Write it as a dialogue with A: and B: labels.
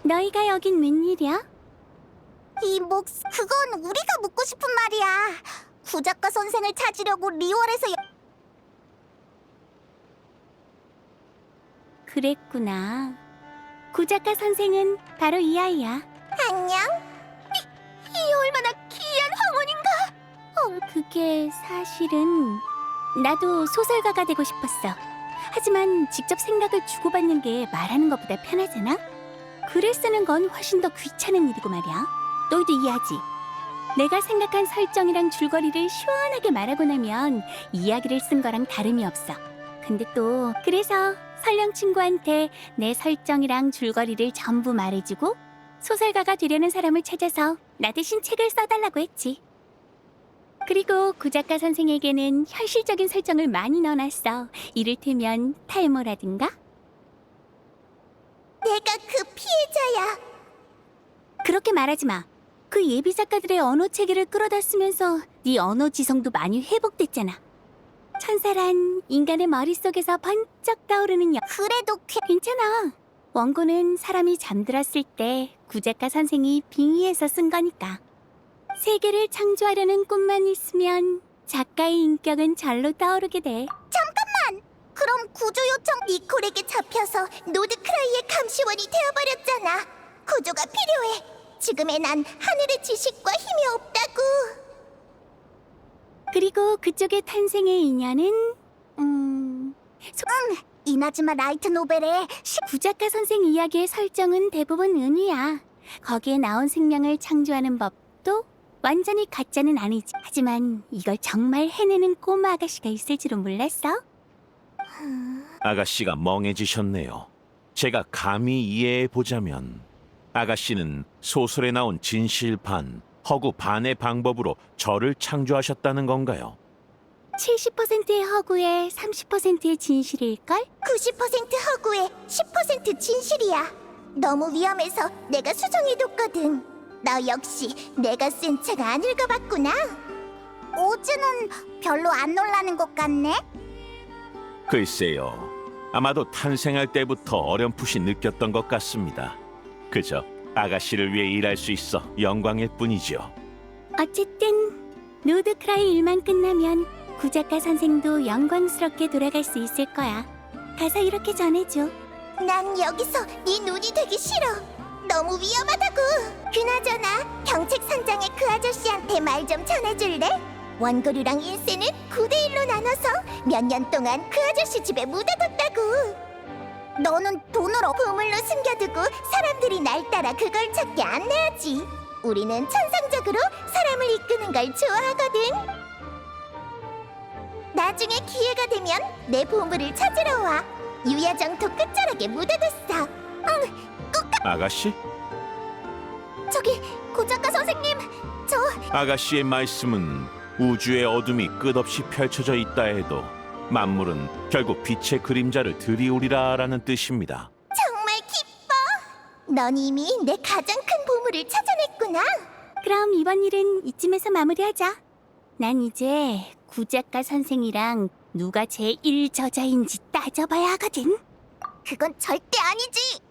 A: 너희가 여긴 웬일이야?
B: 그건 우리가 묻고 싶은 말이야. 구작가 선생을 찾으려고 리월에서
A: 그랬구나. 구작가 선생은 바로 이 아이야.
B: 안녕? 이 얼마나 기이한 황혼인가?
A: 그게 사실은 나도 소설가가 되고 싶었어. 하지만 직접 생각을 주고받는 게 말하는 것보다 편하잖아? 글을 쓰는 건 훨씬 더 귀찮은 일이고 말이야. 너희도 이해하지? 내가 생각한 설정이랑 줄거리를 시원하게 말하고 나면 이야기를 쓴 거랑 다름이 없어. 근데 또 그래서 설령 친구한테 내 설정이랑 줄거리를 전부 말해주고 소설가가 되려는 사람을 찾아서 나 대신 책을 써달라고 했지. 그리고 구작가 선생에게는 현실적인 설정을 많이 넣어놨어. 이를테면 탈모라든가?
B: 내가 그 피해자야.
A: 그렇게 말하지 마. 그 예비 작가들의 언어 체계를 끌어다 쓰면서 네 언어 지성도 많이 회복됐잖아. 천사란 인간의 머릿속에서 번쩍 떠오르는
B: 그래도
A: 괜찮아. 원고는 사람이 잠들었을 때 구작가 선생이 빙의해서 쓴 거니까. 세계를 창조하려는 꿈만 있으면 작가의 인격은 절로 떠오르게 돼.
B: 그럼 구조 요청 니콜에게 잡혀서 노드크라이의 감시원이 되어버렸잖아. 구조가 필요해. 지금의 난 하늘의 지식과 힘이 없다고.
A: 그리고 그쪽의 탄생의 인연은
B: 이나즈마 라이트 노벨의
A: 구작가 선생 이야기의 설정은 대부분 은유야. 거기에 나온 생명을 창조하는 법도 완전히 가짜는 아니지. 하지만 이걸 정말 해내는 꼬마 아가씨가 있을 줄은 몰랐어.
C: 아가씨가 멍해지셨네요. 제가 감히 이해해보자면 아가씨는 소설에 나온 진실 반, 허구 반의 방법으로 저를 창조하셨다는 건가요?
A: 70%의 허구에 30%의 진실일걸?
B: 90% 허구에 10% 진실이야. 너무 위험해서 내가 수정해뒀거든. 너 역시 내가 쓴 책 안 읽어봤구나. 오즈는 별로 안 놀라는 것 같네.
C: 글쎄요. 아마도 탄생할 때부터 어렴풋이 느꼈던 것 같습니다. 그저 아가씨를 위해 일할 수 있어 영광일 뿐이죠.
A: 어쨌든 노드크라이 일만 끝나면 구작가 선생도 영광스럽게 돌아갈 수 있을 거야. 가서 이렇게 전해줘.
B: 난 여기서 네 눈이 되기 싫어. 너무 위험하다고. 그나저나 경책선장의 그 아저씨한테 말 좀 전해줄래? 원고료랑 일세는 9대1로 나눠서 몇 년 동안 그 아저씨 집에 묻어뒀다고. 너는 돈으로 보물로 숨겨두고 사람들이 날 따라 그걸 찾게 안내하지. 우리는 천상적으로 사람을 이끄는 걸 좋아하거든. 나중에 기회가 되면 내 보물을 찾으러 와. 유야정토 끝자락에 묻어뒀어.
C: 아가씨?
B: 저기 고작가 선생님, 저
C: 아가씨의 말씀은 우주의 어둠이 끝없이 펼쳐져 있다 해도 만물은 결국 빛의 그림자를 들이우리라라는 뜻입니다.
B: 정말 기뻐. 넌 이미 내 가장 큰 보물을 찾아냈구나.
A: 그럼 이번 일은 이쯤에서 마무리하자. 난 이제 구작가 선생이랑 누가 제1저자인지 따져봐야 하거든.
B: 그건 절대 아니지.